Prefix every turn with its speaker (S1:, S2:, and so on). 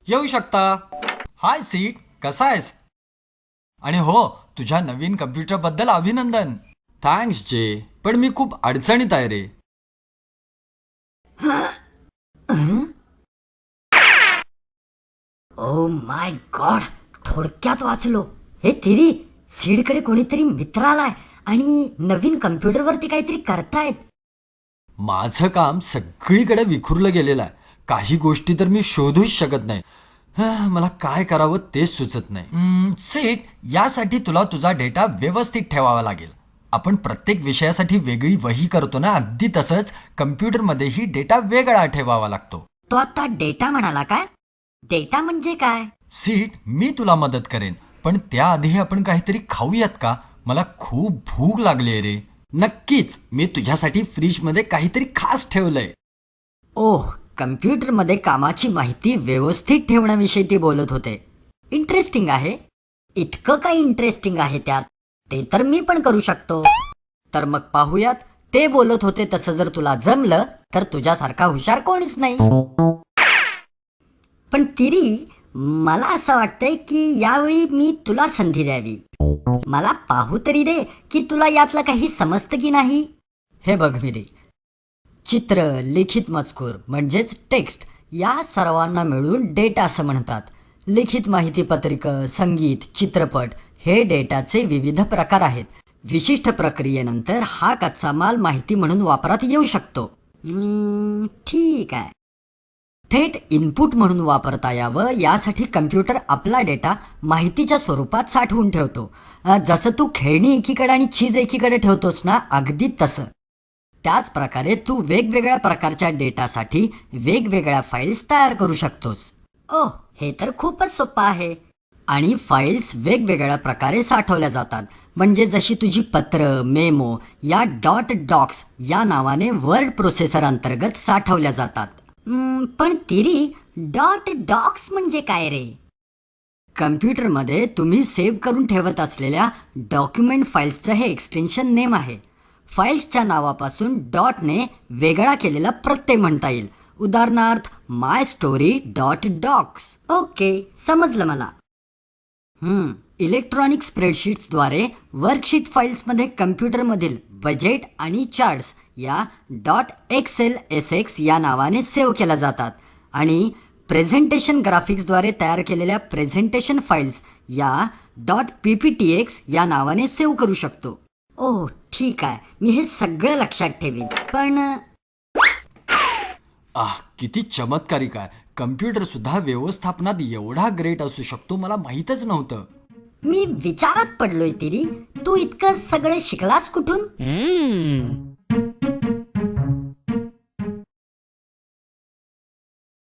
S1: येऊ शकता. हाय सीट, कसा आहेस? आणि हो, तुझ्या नवीन कम्प्युटर बद्दल अभिनंदन. थँक्स जे, पण मी खूप अडचणीत आहे रे.
S2: ओ माय गॉड, थोडक्यात वाचलो. हे तिरी, सीडकडे कोणीतरी मित्र आलाय आणि नवीन कम्प्युटरवरती काहीतरी करतायत.
S1: माझं काम सगळीकडे विखुरलं गेलेलं आहे. काही गोष्टी तर मी शोधूच शकत नाही. मला काय करावं तेच सुचत नाही. सीट, यासाठी तुला तुझा डेटा व्यवस्थित ठेवावा लागेल. आपण प्रत्येक विषयासाठी वेगळी वही करतो ना, अगदी तसंच कम्प्युटरमध्येही डेटा वेगळा ठेवावा लागतो.
S2: तो आता डेटा म्हणाला काय? डेटा म्हणजे काय?
S1: सीट, मी तुला मदत करेन, पण त्याआधी आपण काहीतरी खाऊयात का? मला खूप भूक लागली रे. नक्कीच, मी तुझ्यासाठी फ्रीजमध्ये काहीतरी खास ठेवलंय.
S2: ओह, कम्प्युटरमध्ये कामाची माहिती व्यवस्थित ठेवण्याविषयी ते बोलत होते. इंटरेस्टिंग आहे. इतकं काय इंटरेस्टिंग आहे त्यात? ते तर मी पण करू शकतो. तर मग पाहूयात. ते बोलत होते तसं जर तुला जमलं तर तुझ्यासारखा हुशार कोणीच नाही. पण तिरी, मला असं वाटतंय की यावेळी मी तुला संधी द्यावी. मला पाहू तरी दे की तुला यातलं काही समजतं की नाही. हे बघ मिरी, चित्र, लिखित मजकूर म्हणजेच टेक्स्ट या सर्वांना मिळून डेटा असं म्हणतात. लिखित माहिती पत्रिका, संगीत, चित्रपट हे डेटाचे विविध प्रकार आहेत. विशिष्ट प्रक्रियेनंतर हा कच्चा माल माहिती म्हणून वापरात येऊ शकतो. ठीक आहे. थेट इनपुट म्हणून वापरता यावं यासाठी कम्प्युटर आपला डेटा माहितीच्या स्वरूपात साठवून ठेवतो. जसं तू खेळणी एकीकडे आणि चीज एकीकडे ठेवतोस ना, अगदी तसं. त्याच प्रकारे तू वेगवेगळ्या प्रकारच्या डेटासाठी वेगवेगळ्या फाईल्स तयार करू शकतोस. ओह, हे तर खूपच सोपं आहे. आणि फाईल्स वेगवेगळ्या प्रकारे साठवल्या जातात. म्हणजे जशी तुझी पत्र, मेमो या .डॉक्स या नावाने वर्ड प्रोसेसर अंतर्गत साठवल्या जातात. पण तिरी, .डॉक्स म्हणजे काय रे? कम्प्युटरमध्ये तुम्ही सेव्ह करून ठेवत असलेल्या डॉक्युमेंट फाईल्सचं हे एक्सटेन्शन नेम आहे. फाईल्सच्या नावापासून डॉटने वेगळा केलेला प्रत्यय म्हणता येईल. उदाहरणार्थ माय स्टोरी .डॉक्स. ओके, समजलं मला. इलेक्ट्रॉनिक स्प्रेडशीट्सद्वारे वर्कशीट फाईल्समध्ये कम्प्युटरमधील बजेट आणि चार्ट्स या .xlsx या नावाने सेव्ह केल्या जातात. आणि प्रेझेंटेशन ग्राफिक्सद्वारे तयार केलेल्या प्रेझेंटेशन फाईल्स या .pptx या नावाने सेव्ह करू शकतो. ओह, ठीक आहे. मी हे सगळं लक्षात ठेवीन. पण
S1: किती चमत्कारिक आहे. कम्प्युटर सुद्धा व्यवस्थापनात एवढा ग्रेट असू शकतो, मला माहीतच नव्हतं.
S2: मी विचारात पडलोय तिरी, तू इतकं सगळं शिकलास कुठून?